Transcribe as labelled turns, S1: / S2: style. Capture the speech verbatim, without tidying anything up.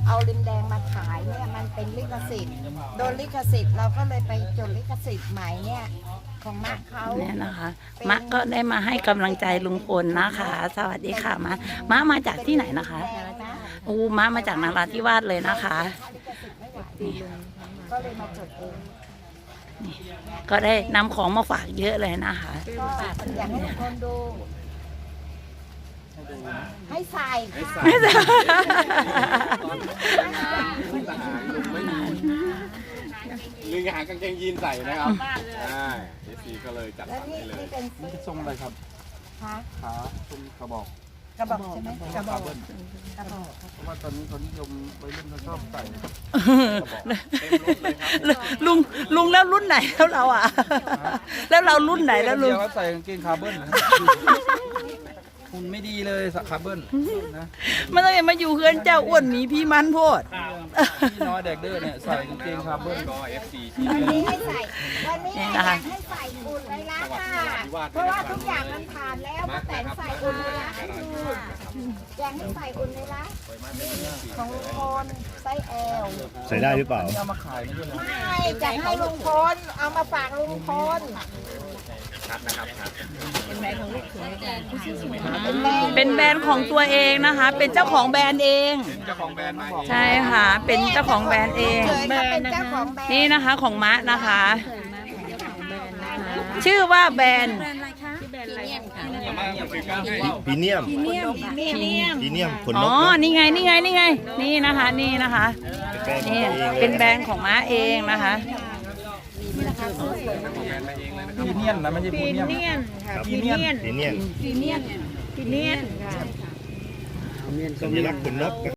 S1: เอาลิมแดงมาขายเนี่ยมันเป็นลิขสิทธิ์โดนลิขสิทธิ์เราก็เลยไปจดลิขสิทธิ์ใหม่เนี่ยของมะเขา
S2: เนี่ยนะคะมะก็ได้มาให้กำลังใจลุงพลนะคะ สวัสดีค่ะมะมะมาจากที่ไหนนะคะอูมะมาจากนราธิวาสเลยนะคะนี่
S1: ก็เลยมาจดเอง
S2: ก็ได้นำของมาฝากเยอะเลยนะคะ
S1: ก็อยากให้ทุกคนดู ให้ใส่ค่ะ
S2: ไม่ใช่
S3: ลืมหากางเกงยีนใส่นะครับใช่เอฟซีก็เลยจัด
S1: แล้ว
S3: สรร
S1: นี่
S3: ให้เลย
S1: นี่เป็น
S4: นี่จะทรงอะไรครับ
S1: คะ
S4: ขาทรงกระบอก
S1: กระบอกใช่ไหมกระบอก
S4: เบิ้ล
S1: กระบอก
S4: เพราะว่าตอนนี้เขานิยมวัยรุ่นเขาชอบใส่กระบอก
S3: เต็มรถเลยครับ
S2: ลุงลุงแล้วรุ่นไหนแล้วเราอ่ะ แล้วเรารุ่นไหนแล้วลุง
S4: เดียวก็ใส่กางเกงคาร์เบิ้ลนะหุ่นไม่ดีเลยสักคาร์เบิ้ลนะ
S2: มันต้องมาอยู่เพื่อนเจ้าอ้วนหมีพี่มันโพด
S4: พี่น้อยเด็กเด้อเนี่ยใส่กางเกงคาร์เบิ้ล
S3: ก็เอฟซีที่
S1: วันนี้ให้ใส่วันนี้อยากให้ใส่อุ่นเลยละค่ะเพราะว่าทุกอย่างมันผ่านแล้วป้าแตนใส่อุ่นเลยละให้ดูอยากให้ใส่อุ่นเลยละนี่ของลุงพลไส้แอล
S5: ใส่ได้หรือเปล่า
S4: เอามาขายไม่ใช่เหรอ
S1: ไม่จะให้ลุงพลเอามาฝากลุงพล
S3: ชัดนะครับชัด
S1: เป็นแบรนด์
S2: เป็นแบรนด์ของตัวเองนะคะ เป็นเจ้าของแบรนด์เอง
S3: เจ้าของแบรนด์มาเอง
S2: ใช่ค่ะ เป็นเจ้าของแบรนด์เอง
S1: เคยเขาเป็นเจ้าของแบรนด์
S2: นี่นะคะของมะนะคะ ชื่อว่าแบรนด์
S5: พรีเนียม พรีเนียมขนน
S2: อ๋อ
S5: กเนอะ
S2: นี่ไง นี่ไง นี่ไง นี่นะคะ นี่นะคะ นี่ เป็นแบรนด์ของม้าเองนะคะ
S4: พีเนียนนะไม่ใช่พีเนียม
S5: ครับ
S4: พรีเนียม
S5: พรีเนียม
S2: พีเนียน
S5: สัญลักษณ์ขนนก